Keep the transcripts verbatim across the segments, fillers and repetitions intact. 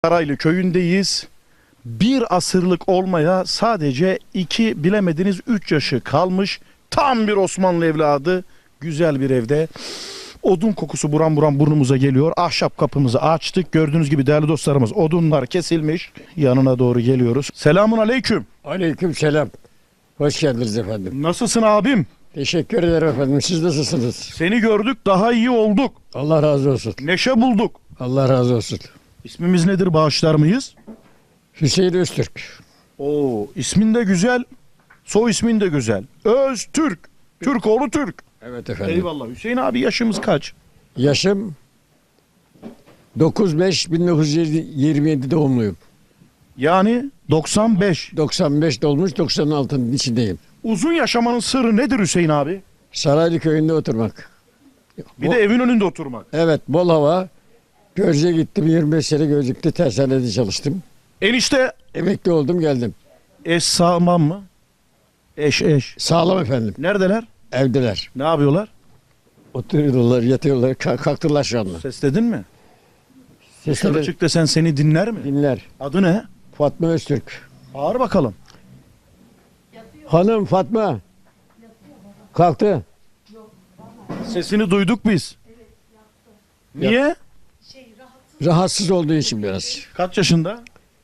Saraylı köyündeyiz. Bir asırlık olmaya sadece iki bilemediniz üç yaşı kalmış. Tam bir Osmanlı evladı. Güzel bir evde. Odun kokusu buram buram burnumuza geliyor. Ahşap kapımızı açtık. Gördüğünüz gibi değerli dostlarımız odunlar kesilmiş. Yanına doğru geliyoruz. Selamun aleyküm. Aleyküm selam. Hoş geldiniz efendim. Nasılsın abim? Teşekkür ederim efendim. Siz nasılsınız? Seni gördük daha iyi olduk. Allah razı olsun. Neşe bulduk. Allah razı olsun. İsmimiz nedir bağışlar mıyız? Hüseyin Öztürk. Oo, ismin de güzel. Soy ismin de güzel. Öztürk. Türkoğlu Türk. Evet efendim. Eyvallah. Hüseyin abi yaşımız kaç? Yaşım dokuz beş bin dokuz yüz yirmi yedi doğumluyum. Yani doksan beş. doksan beş dolmuş doksan altının içindeyim. Uzun yaşamanın sırrı nedir Hüseyin abi? Saraylı köyünde oturmak. Bir Bo- de evin önünde oturmak. Evet, bol hava. Gölcük'e gittim. yirmi beş sene Gölcük'te tersanede çalıştım. Enişte Emekli oldum, geldim. eş sağlam mı? Eş eş. Sağlam efendim. Neredeler? Evdeler. Ne yapıyorlar? Oturuyorlar, yatıyorlar. Ka- kalktılar şu anda. Sesledin mi? Dışarı Sesleri çık desen seni dinler mi? dinler. Adı ne? Fatma Öztürk. Bağır bakalım. Hanım Fatma. Kalktı. Sesini duyduk biz. Niye? Rahatsız olduğu için biraz. Kaç yaşında?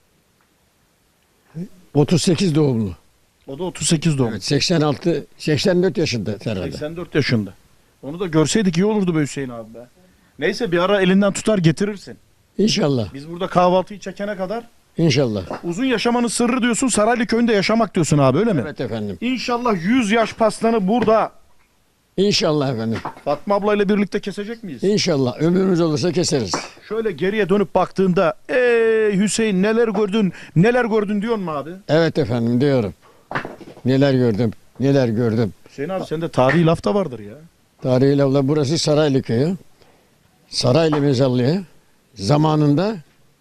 otuz sekiz doğumlu. O da otuz sekiz doğumlu. Evet, seksen altı, seksen dört yaşında herhalde. seksen dört yaşında. Onu da görseydik iyi olurdu be Hüseyin abi be. Neyse bir ara elinden tutar getirirsin. İnşallah. Biz burada kahvaltıyı çekene kadar İnşallah. uzun yaşamanın sırrı diyorsun, Saraylı köyünde yaşamak diyorsun abi, öyle mi? Evet efendim. İnşallah yüz yaş pastanı burada İnşallah efendim. Fatma ablayla birlikte kesecek miyiz? İnşallah. Ömrümüz olursa keseriz. Şöyle geriye dönüp baktığında ey Hüseyin neler gördün neler gördün diyor mu abi? Evet efendim diyorum. Neler gördüm. Neler gördüm. Hüseyin abi sende tarihi laf da vardır ya. Tarihi lafla burası Saraylı köyü. Saraylı mezarlığı. Zamanında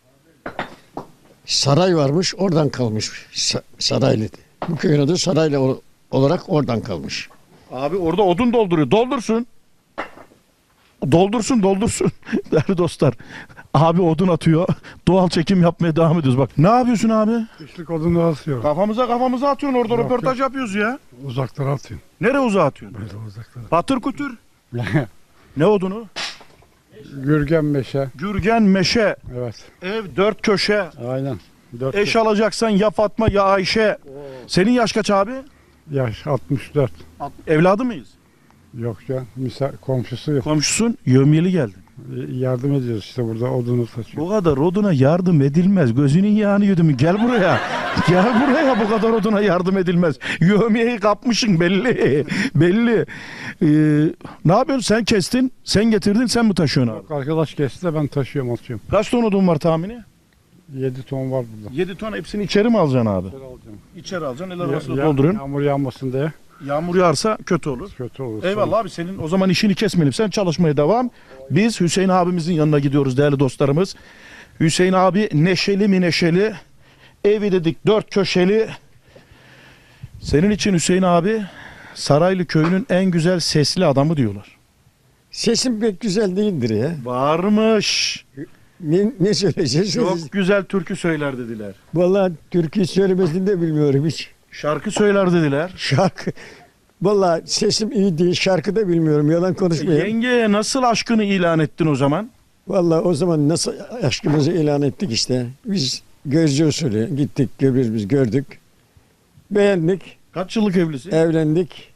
saray varmış, oradan kalmış. Sa- Saraylı. Bu köyün adı Saraylı ol- olarak oradan kalmış. Abi orada odun dolduruyor. Doldursun. Doldursun doldursun. Değerli dostlar. Abi odun atıyor. Doğal çekim yapmaya devam ediyoruz. Bak ne yapıyorsun abi? Kışlık odunu asıyor. Kafamıza kafamıza atıyorsun orada Yok, röportaj yapıyoruz ya. Uzaklara atıyor. Nereye uzağa atıyorsun? Böyle uzaklara. Patır kutur. Ne odunu? Gürgen meşe. Gürgen meşe. Evet. Ev dört köşe. Aynen. Dört Eş alacaksan ya Fatma ya Ayşe. Senin yaş kaç abi? yaş altmış dört. Evladı mıyız? Yok ya. Misal komşusu yok. Komşusun. Yövmiyeli geldin. Yardım ediyoruz işte burada odunu taşıyor. Bu kadar oduna yardım edilmez. Gözünün yağını yudum. Gel buraya. Gel buraya, bu kadar oduna yardım edilmez. Yövmiyeyi kapmışsın belli. Belli. Ee, ne yapıyorsun? Sen kestin, sen getirdin, sen mi taşıyorsun abi? Yok, arkadaş kesti de ben taşıyorum atıyorum. Kaç ton odun var tahmini? yedi ton var burada. yedi ton, hepsini içeri mi alacaksın abi? Şöyle alacağım. İçeri alacaksın, el Ya- arabasına ya- dolduruyorsun. Yağmur yağmasın diye. Yağmur yağarsa kötü olur. Kötü olur. Eyvallah abi, senin o zaman işini kesmeyelim. Sen çalışmaya devam. Biz Hüseyin abimizin yanına gidiyoruz değerli dostlarımız. Hüseyin abi neşeli mi neşeli. Evi dedik dört köşeli. Senin için Hüseyin abi Saraylı köyünün en güzel sesli adamı diyorlar. Sesim pek güzel değildir ya. Varmış. Ne, ne söyleyeceğiz? Çok güzel türkü söyler dediler. Vallahi türkü söylemesini de bilmiyorum hiç. Şarkı söyler dediler. Şarkı. Vallahi sesim iyi değil. Şarkı da bilmiyorum. Yalan konuşmayayım. Yengeye nasıl aşkını ilan ettin o zaman? Vallahi o zaman nasıl aşkımızı ilan ettik işte. Biz gözcü usulü gittik, birbirimizi gördük. Beğendik, Kaç yıllık evlisin? evlendik.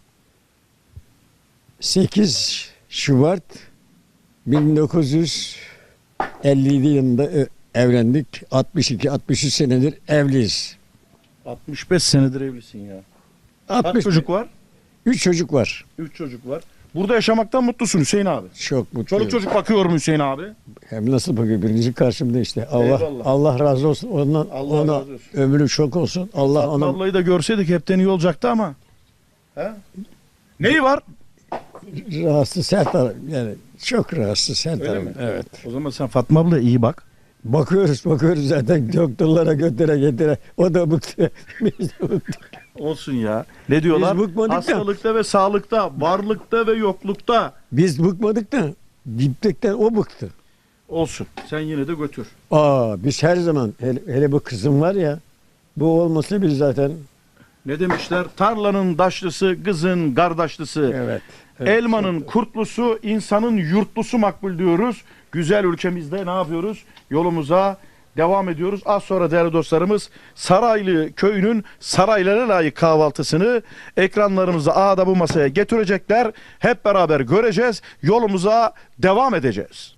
sekiz Şubat bin dokuz yüz elli yedi yılında e, evlendik. altmış iki altmış üç senedir evliyiz. altmış beş senedir evlisin ya. Kaç altmış çocuk var? üç çocuk var. üç çocuk var. Burada yaşamaktan mutlusun Hüseyin abi. Çok mutluyum. Çoluk çocuk bakıyor mu Hüseyin abi? Hem nasıl bakıyor birinci karşımda işte. Allah Eyvallah. Allah razı olsun. Ondan Allah ona razı olsun. ömrü çok olsun. Allah Fatma ona ablayı da görseydik hepten iyi olacaktı ama. He? Neyi var? rahatsız her taraf yani çok rahatsız her Öyle taraf. mi? Evet. O zaman sen Fatma abla iyi bak. Bakıyoruz bakıyoruz zaten doktorlara götüre getire. O da bıktı. Biz de bıktık. Olsun ya. Ne diyorlar? Biz bıkmadık da. Hastalıkta ve sağlıkta, varlıkta ve yoklukta. Biz bıkmadık da diptekten o bıktı. Olsun. Sen yine de götür. Aa biz her zaman hele, hele bu kızım var ya bu olmasa biz zaten Ne demişler? Tarlanın daşlısı, kızın kardeşlisi. evet. Elmanın kurtlusu, insanın yurtlusu makbul diyoruz. Güzel ülkemizde ne yapıyoruz? Yolumuza devam ediyoruz. Az sonra değerli dostlarımız Saraylı köyünün saraylara layık kahvaltısını ekranlarımıza ağda bu masaya getirecekler. Hep beraber göreceğiz. Yolumuza devam edeceğiz.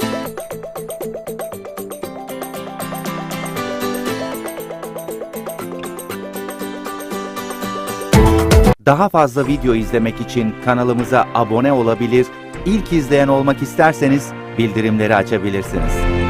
Daha fazla video izlemek için kanalımıza abone olabilir, ilk izleyen olmak isterseniz bildirimleri açabilirsiniz.